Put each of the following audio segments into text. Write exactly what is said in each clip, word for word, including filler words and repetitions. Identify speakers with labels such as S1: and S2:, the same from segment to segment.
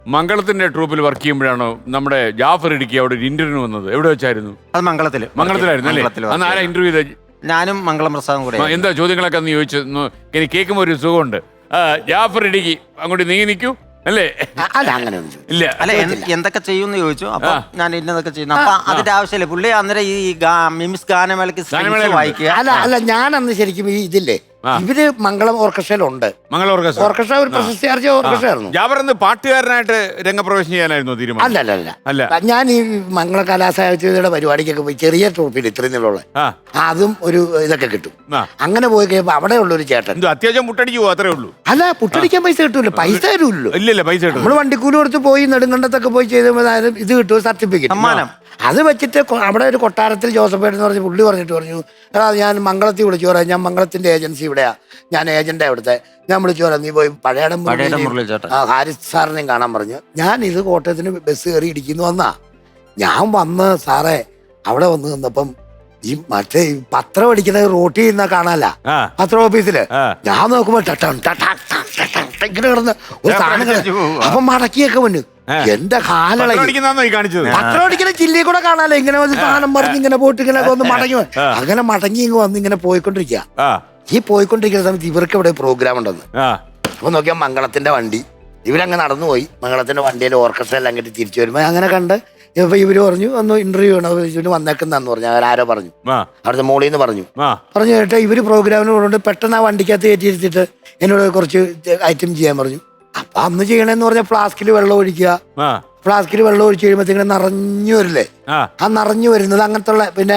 S1: മംഗളത്തിന്റെ ട്രൂപ്പിൽ work ചെയ്യുമ്പോഴാണോ നമ്മുടെ ജാഫർ ഇടുക്കി അവിടെ ഒരു ഇന്റർവ്യൂ വന്നത്? എവിടെ വെച്ചായിരുന്നു?
S2: അത് മംഗളത്തില്.
S1: മംഗളത്തിലായിരുന്നു അല്ലേ? അന്ന് ആരാ ഇന്റർവ്യൂ ചെയ്ത?
S2: ഞാനും മംഗളം പ്രസാദും കൂടെ.
S1: എന്താ ചോദ്യങ്ങളൊക്കെ അന്ന് ചോദിച്ചു? എനിക്ക് കേൾക്കുമ്പോൾ ഒരു സുഖമുണ്ട്. ജാഫർ ഇടുക്കി അങ്ങോട്ട് നീങ്ങി നിൽക്കൂ അല്ലേ?
S3: അല്ല അങ്ങനെ
S1: ഇല്ല.
S2: അല്ല എന്തൊക്കെ ചെയ്യുമെന്ന് ചോദിച്ചു. അപ്പൊ ഞാൻ ഇന്നതൊക്കെ ചെയ്യുന്നു. അപ്പൊ അതിന്റെ ആവശ്യമില്ല. പുള്ളി അന്നേരം ഈ മിമിസ് ഗാനമേളക്ക് വായിക്കുക.
S3: അല്ല അല്ല ഞാൻ അന്ന് ശരിക്കും ഈ ഇതില്ലേ ഇവര് മംഗളം ഓർക്കസ്ട്രയിലുണ്ട്.
S1: മംഗളം ഓർക്കസ്ട്ര
S3: ഓർക്കസ്ട്ര ഒരു പ്രശസ്തി ആർജിച്ച ഓർക്കസ്ട്ര ആയിരുന്നു.
S1: ജാബർ എന്ന് പാട്ടുകാരനായിട്ട് രംഗപ്രവേശം ചെയ്യാനായിരുന്നു തീരുമാനം?
S3: അല്ല അല്ല അല്ല അല്ല ഞാൻ ഈ മംഗള കലാസാഹിത്യയുടെ പരിപാടിക്കൊക്കെ പോയി ചെറിയ ട്രോഫിയിൽ ഇത്രയും നിന്നുള്ള അതും ഒരു ഇതൊക്കെ കിട്ടും. അങ്ങനെ പോയി കഴിയുമ്പോ അവിടെ ഉള്ള ഒരു ചേട്ടൻ
S1: അത്യാവശ്യം മുട്ടടിക്ക് പോകും, അത്രേ ഉള്ളൂ. അല്ല
S3: പുട്ടടിക്കാൻ പൈസ കിട്ടൂല്ലോ, പൈസ തരൂല്ലോ.
S1: ഇല്ലല്ല പൈസ കിട്ടും.
S3: നമ്മള് വണ്ടിക്കൂലി കൊടുത്ത് പോയി നെടുങ്കണ്ടത്തൊക്കെ പോയി ചെയ്താലും ഇത് കിട്ടും, സർട്ടിഫിക്കറ്റ് സമ്മാനം. അത് വെച്ചിട്ട് അവിടെ ഒരു കൊട്ടാരത്തിൽ ജോസഫ് എന്ന് പറഞ്ഞ പുള്ളി പറഞ്ഞിട്ട് പറഞ്ഞു, എടാ ഞാൻ മംഗളത്തിൽ വിളിച്ചു പറയാം, ഞാൻ മംഗളത്തിന്റെ ഏജൻസി ഇവിടെയാ, ഞാൻ ഏജന്റാ ഇവിടുത്തെ, ഞാൻ വിളിച്ചു പറയാം, നീ പോയി പഴയടം ഹാരിസ് സാറിനെയും കാണാൻ പറഞ്ഞു. ഞാൻ ഇത് കോട്ടയത്തിന് ബസ് കയറി ഇടിക്കുന്നു വന്നാ. ഞാൻ വന്ന് സാറേ അവിടെ വന്ന് നിന്നപ്പം ഈ മറ്റേ പത്രം അടിക്കുന്നത് റോട്ടി ചെയ്യുന്ന കാണാല്ല പത്ര ഓഫീസില്. ഞാൻ നോക്കുമ്പോ ഇങ്ങനെ കിടന്ന് ഒരു സാധനം അപ്പൊ മടക്കിയൊക്കെ വന്നു. എന്റെ കാലള പത്രം അടിക്കുന്ന ചില്ലി കൂടെ കാണാലോ, ഇങ്ങനെ ഒരു സാധനം പറഞ്ഞ് ഇങ്ങനെ പോയിട്ട് ഇങ്ങനെ ഒന്ന് മടങ്ങി അങ്ങനെ മടങ്ങി ഇങ്ങ് വന്ന് ഇങ്ങനെ പോയിക്കൊണ്ടിരിക്കുക. ഈ പോയിക്കൊണ്ടിരിക്കുന്ന സമയത്ത് ഇവർക്ക് ഇവിടെ പ്രോഗ്രാം ഉണ്ടെന്ന്. അപ്പൊ നോക്കിയാൽ മംഗളത്തിന്റെ വണ്ടി ഇവരങ്ങ് നടന്നു പോയി. മംഗളത്തിന്റെ വണ്ടിയിൽ ഓർക്കസ്ട്ര എല്ലാം അങ്ങോട്ട് തിരിച്ചു വരുമ്പോ അങ്ങനെ കണ്ട് ഇപ്പൊ ഇവര് പറഞ്ഞു ഒന്ന് ഇന്റർവ്യൂ ആണ് ഇവര് വന്നേക്കുന്നെന്ന് പറഞ്ഞു. അവരാരോ പറഞ്ഞു, അവിടുത്തെ മോളിൽ നിന്ന് പറഞ്ഞു പറഞ്ഞു കേട്ടോ ഇവര് പ്രോഗ്രാമിന് കൊണ്ടുകൊണ്ട് പെട്ടെന്ന് ആ വണ്ടിക്കകത്ത് കയറ്റിയിരുത്തിട്ട് എന്നോട് കുറച്ച് ഐറ്റം ചെയ്യാൻ പറഞ്ഞു. അപ്പൊ അന്ന് ചെയ്യണമെന്ന് പറഞ്ഞാൽ ഫ്ലാസ്കിൽ വെള്ളം ഒഴിക്കുക, ഫ്ലാസ്കിൽ വെള്ളം ഒഴിച്ച് കഴിയുമ്പോഴത്തേക്കും നിറഞ്ഞു വരില്ലേ, ആ നിറഞ്ഞു വരുന്നത് അങ്ങനത്തെ പിന്നെ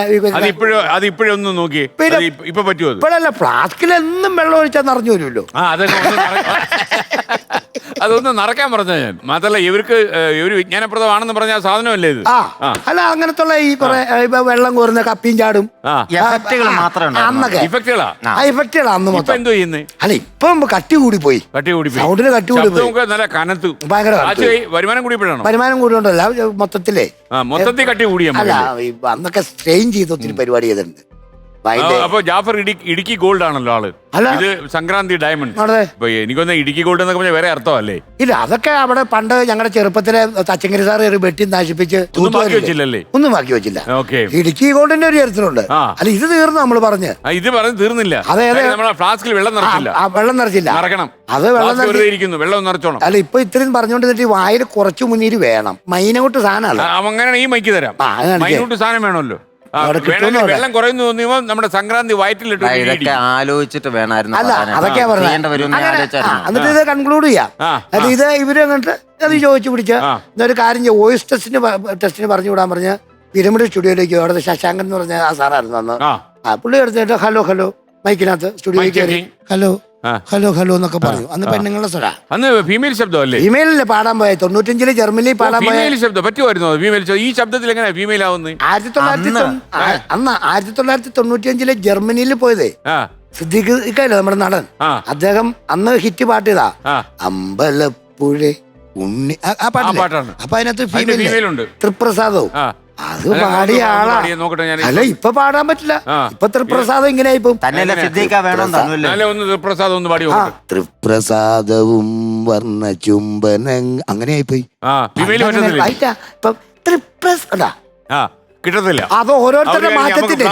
S3: ഇപ്പോഴല്ല ഫ്ലാസ്കിൽ എന്നും വെള്ളം ഒഴിച്ചാൽ നിറഞ്ഞു വരുമല്ലോ.
S1: അതൊന്നും നടക്കാൻ പറഞ്ഞ ഞാൻ മാത്രല്ല ഇവർക്ക് ഒരു വിജ്ഞാനപ്രദമാണെന്ന് പറഞ്ഞ സാധനമല്ലേ ഇത്?
S3: അല്ല അങ്ങനത്തെ ഈ കുറെ വെള്ളം കോരുന്ന കപ്പിയും ചാടും അന്നൊക്കെ ഇഫക്റ്റുകളാണ് മൊത്തം.
S1: എന്തോ ചെയ്യുന്നേ?
S3: അല്ല ഇപ്പം കട്ടി കൂടി പോയി, കട്ടി കൂടി സൗണ്ടിന് കട്ടി കൂടി പോയി,
S1: നല്ല കനത്തു
S3: ഭയങ്കര
S1: വരുമാനം കൂടിയപ്പോഴാണ്.
S3: വരുമാനം കൂടിയോണ്ടല്ല മൊത്തത്തിലേ
S1: മൊത്തത്തിൽ കട്ടി കൂടിയ.
S3: അല്ല അന്നൊക്കെ സ്ട്രെയിൻ ചെയ്ത് ഒത്തിരി പരിപാടി ചെയ്തിട്ടുണ്ട്.
S1: അപ്പൊ ജാഫർ ഇടുക്കി ഗോൾഡ് ആണല്ലോ ആള്, ഇത് സംക്രാന്തി ഡയമണ്ട്. എനിക്കൊന്ന് ഇടുക്കി ഗോൾഡ് എന്നൊക്കെ പറഞ്ഞാൽ വേറെ അർത്ഥമല്ലേ?
S3: ഇല്ല അതൊക്കെ അവിടെ പണ്ട് ഞങ്ങളുടെ ചെറുപ്പത്തിലെ തച്ചങ്കരി സാർ വെട്ടി നശിപ്പിച്ച്
S1: വെച്ചില്ലല്ലേ?
S3: ഒന്നും ബാക്കി വെച്ചില്ല. ഇടുക്കി ഗോൾഡിന്റെ ഒരു ചരിത്രമുണ്ട്. അല്ല ഇത് തീർന്നു നമ്മൾ പറഞ്ഞ്
S1: ഇത് പറഞ്ഞ് തീർന്നില്ല.
S3: അതെ അതെ
S1: ഫ്ലാസ്കിൽ വെള്ളം നിറച്ചില്ല,
S3: വെള്ളം നിറച്ചില്ല,
S1: നിറക്കണം.
S3: അത് വെള്ളം
S1: വെള്ളം നിറച്ചോണം.
S3: അല്ല ഇപ്പൊ ഇത്രയും പറഞ്ഞുകൊണ്ടിട്ട് വായിൽ കുറച്ചു മുന്നീര് വേണം. മൈനോട്ട് സാധനമല്ല
S1: അങ്ങനെ ഈ മൈക്ക് തരാം. മൈനോട്ട് സാധനം വേണമല്ലോ. വെള്ളം കുറയുന്നു തോന്നിയപ്പോ നമ്മുടെ സംക്രാന്തി വയറ്റിലിട്ട്
S2: ഇതൊക്കെ ആലോചിച്ചിട്ട് വേണമായിരുന്നു.
S3: അല്ല അതൊക്കെയാ പറഞ്ഞത്. എന്നിട്ട് ഇത് കൺക്ലൂഡ് ചെയ്യാം. അത് ഇത് ഇവര് എന്നിട്ട് അത് ചോദിച്ചു പിടിച്ച ഒരു കാര്യം ചെയ്യും, വോയിസ് ടെസ്റ്റിന് ടെസ്റ്റിന് പറഞ്ഞു വിടാൻ പറഞ്ഞ പിരമിഡ് സ്റ്റുഡിയോയിലേക്ക് അവിടുത്തെ ശശാങ്കൻ എന്ന് പറഞ്ഞ ആ സാറായിരുന്നു അന്ന്. ആ പുള്ളി എടുത്തിട്ട് ഹലോ ഹലോ മൈക്കിനകത്ത് സ്റ്റുഡിയോയിൽ കയറി ഹലോ ഹലോ ഹലോ എന്നൊക്കെ പറഞ്ഞു. അന്ന് പെണ്ണുങ്ങളുടെ സ്വര,
S1: അന്ന് ഫീമെയിൽ ശബ്ദമല്ലേ?
S3: ഫീമെയിലല്ലേ പാടാൻ പോയത് തൊണ്ണൂറ്റഞ്ചില് ജർമ്മനിയിൽ പാടാൻ പോയ
S1: ശബ്ദം പറ്റുമായിരുന്നു. ഫീമെയിൽ ഈ ശബ്ദത്തിൽ എങ്ങനെ ഫീമെയിൽ ആവുന്നത്?
S3: ആയിരത്തി തൊള്ളായിരത്തി അന്ന് ആയിരത്തി തൊള്ളായിരത്തി തൊണ്ണൂറ്റി അഞ്ചില് ജർമ്മനിയിൽ പോയതേ സിദ്ദീഖ് ഇക്കല്ലേ നമ്മുടെ നടൻ, അദ്ദേഹം അന്ന് ഹിറ്റ് പാട്ട് ചെയ്താ അമ്പലപ്പുഴ ഉണ്ണി ആ പാട്ടാണ്. അപ്പൊ അതിനകത്ത് ഫീമെയിൽ ഉണ്ട്, തൃപ്രസാദവും. അത് പാടിയ ആളാ. അല്ല ഇപ്പൊ പാടാൻ പറ്റില്ല, ഇപ്പൊ തൃപ്രസാദം ഇങ്ങനെ തൃപ്രസാദവും വർണ്ണ ചുംബന അങ്ങനെ ആയിപ്പോയി. ഇപ്പൊ തൃപ്രസാദ
S1: കിട്ടത്തില്ല.
S3: അത് ഓരോരുത്തരുടെ മാറ്റത്തിന്റെ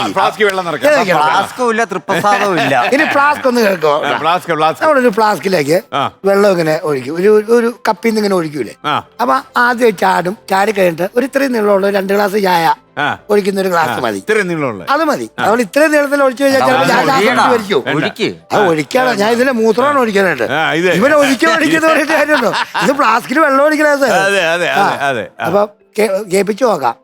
S3: ഇനി ഫ്ലാസ്ക് ഒന്ന് കേൾക്കോ. നമ്മളൊരു ഫ്ലാസ്കിലേക്ക് വെള്ളം ഇങ്ങനെ ഒഴിക്കും, ഒരു ഒരു കപ്പിൽ നിന്ന് ഇങ്ങനെ ഒഴിക്കൂലേ. അപ്പൊ ആദ്യം ചാടും, ചാടി കഴിഞ്ഞിട്ട് ഒരു ഇത്രയും നീളമുള്ള രണ്ട് ഗ്ലാസ് ചായ ഒഴിക്കുന്ന ഒരു ഗ്ലാസ് മതി, അത് മതി. നമ്മൾ ഇത്രയും നീളത്തിൽ ഒഴിച്ചു കഴിഞ്ഞാൽ അത് ഒഴിക്കാണ്. ഞാൻ ഇതിന്റെ മൂത്രമാണ് ഒഴിക്കാനായിട്ട്, ഇവനെ ഒഴിക്കാൻ ഒഴിക്കുന്ന പറഞ്ഞിട്ട് കാര്യമുണ്ടോ? ഇത് ഫ്ലാസ്കിൽ വെള്ളം ഒഴിക്കണത്. അപ്പൊ കേൾപ്പിച്ചു നോക്കാം.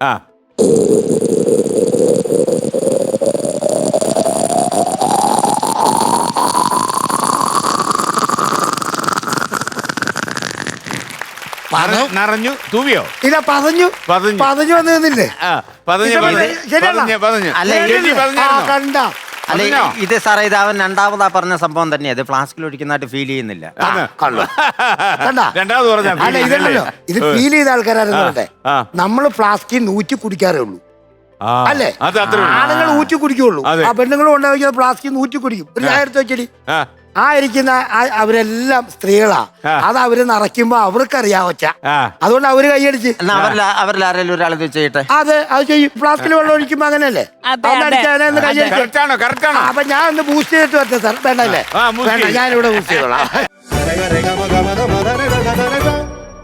S1: നിറഞ്ഞു തൂവിയോ?
S3: ഇല്ല പതഞ്ഞു പതഞ്ഞു വന്ന് നിന്നില്ലേ? കണ്ട
S2: അല്ല ഇത് സാറേ ഇത് അവൻ രണ്ടാമതാ പറഞ്ഞ സംഭവം തന്നെയാ. ഇത് ഫ്ലാസ്കിൽ ഒഴിക്കുന്നതായിട്ട് ഫീൽ ചെയ്യുന്നില്ല.
S3: ഇതല്ലോ ഇത് ഫീൽ ചെയ്ത ആൾക്കാരായിരുന്നു. നമ്മള് ഫ്ലാസ്കിൽ നൂറ്റി കുടിക്കാറേ ഉള്ളൂ അല്ലേ? ആണുങ്ങൾ ഊറ്റി കുടിക്കുള്ളൂ, ആ പെണ്ണുങ്ങളും ഉണ്ടാക്കിയ ഫ്ലാസ്കിൽ നൂറ്റി കുടിക്കും. ഒരു ചായ എടുത്ത് വെച്ചടി ആ ഇരിക്കുന്ന ആ- അവരെല്ലാം സ്ത്രീകളാ. അത് അവര് നിറയ്ക്കുമ്പോ അവർക്കറിയാം ഒച്ച. അതുകൊണ്ട് അവര് കൈയടിച്ച്.
S2: എന്നാ അവരിൽ അവരിൽ ആരെങ്കിലും ഒരാൾ ഇത് ചെയ്യട്ടെ.
S3: അത് അത് ചെയ്യും. ഫ്ലാസ്കിൽ വെള്ളം ഒഴിക്കുമ്പോ അങ്ങനെയല്ലേ?
S4: അതെ,
S3: ഒന്ന്
S4: അതെ.
S3: അടിച്ചാൽ ഒന്ന് കൈയടിച്ച്.
S1: കറക്റ്റ് ആണോ കറക്റ്റ് ആണോ
S3: അപ്പൊ ഞാൻ ഒന്ന് ബൂസ്റ്റ് ചെയ്തിട്ട് വരട്ടെ സാർ? വേണ്ടല്ലേ?
S1: ആ, boost
S3: വേണ്ട,
S1: ചെയ്യ്.
S3: ഞാനിവിടെ ബൂസ്റ്റ് ചെയ്തോളാം.